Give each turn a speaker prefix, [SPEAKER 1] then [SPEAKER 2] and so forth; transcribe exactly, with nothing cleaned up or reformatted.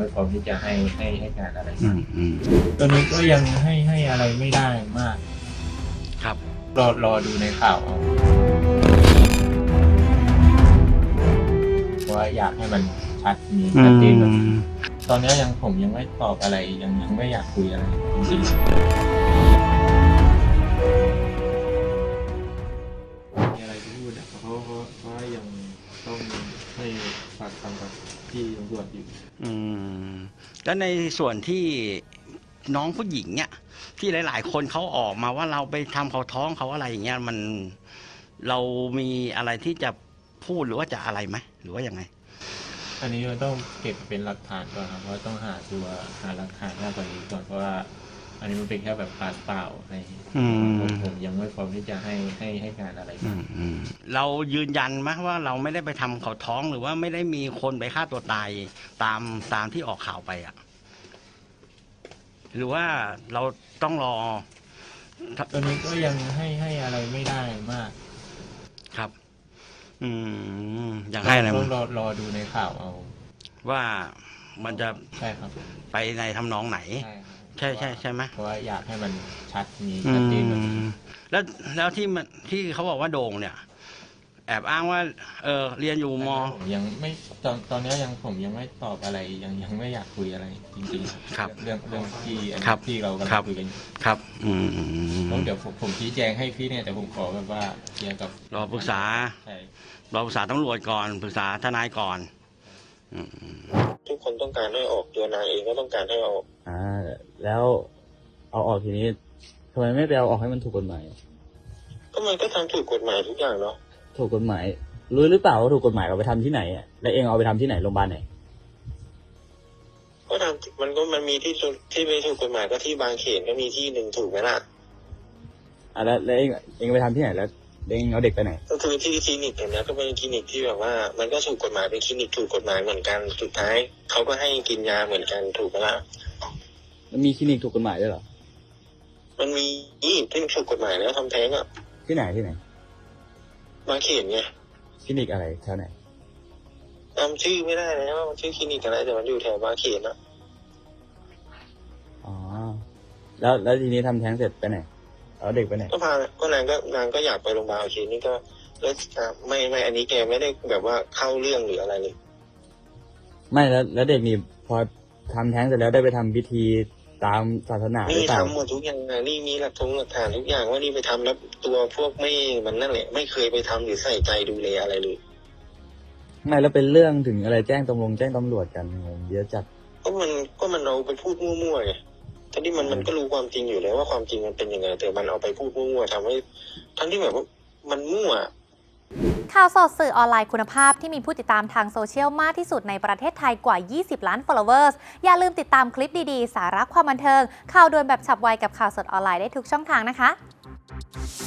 [SPEAKER 1] ไม่พร้อมที่จะให้ให้ให้การอะไร
[SPEAKER 2] อืมอืม
[SPEAKER 1] ตอนนี้ก็ยังให้ให้อะไรไม่ได้มาก
[SPEAKER 2] ครับ
[SPEAKER 1] รอรอดูในข่าวเอาเพราะว่าอยากให้มันชัดมีชัดเจนแบบตอนนี้ยังผมยังไม่ตอบอะไรยังยังไม่อยากคุยอะไรจริงๆมีอะไรที่พูดอะเพราะเพราะเพราะว่ายังต้องให้ปากคำกับที่ตำรวจอยู่
[SPEAKER 2] อืมแล้วในส่วนที่น้องผู้หญิงเนี่ยที่หลาย ๆ คนเขาออกมาว่าเราไปทำเขาท้องเขาอะไรอย่างเงี้ยมันเรามีอะไรที่จะพูดหรือว่าจะอะไรไหมหรือว่ายังไง
[SPEAKER 1] อันนี้มันต้องเก็บเป็นหลักฐานก่อนครับเพราะต้องหาตัวหาหลักฐานมากกว่านี้ก่อนเพราะว่าอันนี้มันเป็นแค่แบบปากเปล่าอะไร
[SPEAKER 2] อืม
[SPEAKER 1] ผมผมยังไม่พร้อมที่จะให้ให้ให้การอะไร
[SPEAKER 2] อืมอืมเรายืนยันไหมว่าเราไม่ได้ไปทำเขาท้องหรือว่าไม่ได้มีคนไปฆ่าตัวตายตามตามที่ออกข่าวไปอ่ะหรือว่าเราต้องรอ
[SPEAKER 1] ตอนนี้ก็ยังให้ให้อะไรไม่ได้มาก
[SPEAKER 2] ครับ อืมอย่างให้อะไร
[SPEAKER 1] ต้
[SPEAKER 2] มั้
[SPEAKER 1] อย งรอรอดูในข่าวเอา
[SPEAKER 2] ว่ามันจะ
[SPEAKER 1] ใช่ครับ
[SPEAKER 2] ไปในทำนองไหน
[SPEAKER 1] ใช่ครับ
[SPEAKER 2] ใช่ใช่ใช่ไหม
[SPEAKER 1] เพราะว่าอยากให้มันชัดมี
[SPEAKER 2] อื
[SPEAKER 1] ชัดเจนแบบ
[SPEAKER 2] มแล้วแล้วที่มันที่เขาบอกว่าโด่งเนี่ย แอบอ้างว่า เออเรียนอยู่ม
[SPEAKER 1] ผมยังไม่ตอนตอนนี้ยังผมยังไม่ตอบอะไรยังยังไม่อยากคุยอะไรจริงๆ
[SPEAKER 2] ครับ
[SPEAKER 1] เรื่องเรื่องที่อันนี้
[SPEAKER 2] ครับ
[SPEAKER 1] ที่เรากำ
[SPEAKER 2] ครั
[SPEAKER 1] ลั
[SPEAKER 2] บ
[SPEAKER 1] งคุยกันอยู่
[SPEAKER 2] ครับ อืม
[SPEAKER 1] แล้วเดี๋ยวผมผมชี้แจงให้พี่เนี่ยแต่ผมขอแบบว่าเคลียร์กับ
[SPEAKER 2] รอปรึกษา
[SPEAKER 1] ใช่
[SPEAKER 2] รอปรึกษาตำรวจก่อนปรึกษาทนายก่อน อืม
[SPEAKER 3] ทุกคนต้องการให้ออกตัวนางเองก็ต้องการให้ออก
[SPEAKER 4] อ่าแล้วเอาออกทีนี้ทำไมไม่ไปเอาออกให้มันถูกกฎหมาย
[SPEAKER 3] ก็มันก็ทำถูกกฎหมายทุกอย่างเนาะ
[SPEAKER 4] ถูกกฎหมายรู้หรือเปล่าว่าถูกกฎหมายเราไปทำที่ไหนอ่ะแล้วเองเอาไปทำที่ไหนโรงพยาบาลไหน
[SPEAKER 3] ก็ทำมันก็มันมีที่ถูกที่ไม่ถูกกฎหมายก็ที่บางเขนก็มีที่หนึ่งถูกไหมล่ะ
[SPEAKER 4] อ่ะแล้วแล้วเองเองไปทำที่ไหนแล้วเองเอาเด็กไปไหน
[SPEAKER 3] ก็คือที่คลินิกอย่างนี้ยก็เป็นคลินิกที่แบบว่า มันก็ถูกกฎหมายเป็นคลินิกถูกกฎหมายเหมือนกันสุดท้ายเขาก็ให้กินยาเหมือนกันถูกไหมล่ะ
[SPEAKER 4] มันมีคลินิกถูกกฎหมายด้วยเหรอ
[SPEAKER 3] มันมีที่ถูกกฎหมายแล้วทำแท้งอ่ะ
[SPEAKER 4] ที่ไหนที่ไหน
[SPEAKER 3] บางเขนไง
[SPEAKER 4] คลินิกอะไรแถวไหน
[SPEAKER 3] จำชื่อไม่ได้แล้วว่ามันชื่อคลินิกอะไรแต่มันอยู่แถวบางเขนอะ
[SPEAKER 4] อ๋อแล้วแล้วทีนี้ทำแท้งเสร็จไปไหนเอาเด็กไปไหน
[SPEAKER 3] ก็พาก็นางก็นางก็อยากไปโรงพยาบาลโอเคนี่ก็แล้วอ่ะไม่ไม่อันนี้แกไม่ได้แบบว่าเข้าเรื่องหรืออะไรเลย
[SPEAKER 4] ไม่แล้วแล้วเด็กนี่พอทำแท้งเสร็จแล้วได้ไปทำพิธีตามศาสนาหรื
[SPEAKER 3] นี่
[SPEAKER 4] อเปล่า
[SPEAKER 3] ทำหมดทุกอย่างนะนี่มีหลักฐานหลักฐานทุกอย่างว่านี่ไปทำแล้วตัวพวกไม่มันนั่นแหละไม่เคยไปทำหรือใส่ใจดูแลอะไรเลย
[SPEAKER 4] ไม่แล้วเป็นเรื่องถึงอะไรแจ้งตำรวจแจ้งตำรวจกันงงเยอะจัด
[SPEAKER 3] ก็มันก็มันเอาไปพูดมั่วๆไงทั้งที่มันมันก็รู้ความจริงอยู่แล้วว่าความจริงมันเป็นยังไงแต่มันเอาไปพูดมั่วๆทำให้ทั้งที่แบบว่ามันมั่ว
[SPEAKER 5] ข่าวสดสื่อออนไลน์คุณภาพที่มีผู้ติดตามทางโซเชียลมากที่สุดในประเทศไทยกว่า ยี่สิบ ล้าน followers อย่าลืมติดตามคลิปดีๆ สาระความบันเทิง ข่าวด่วนแบบฉับไวกับข่าวสดออนไลน์ได้ทุกช่องทางนะคะ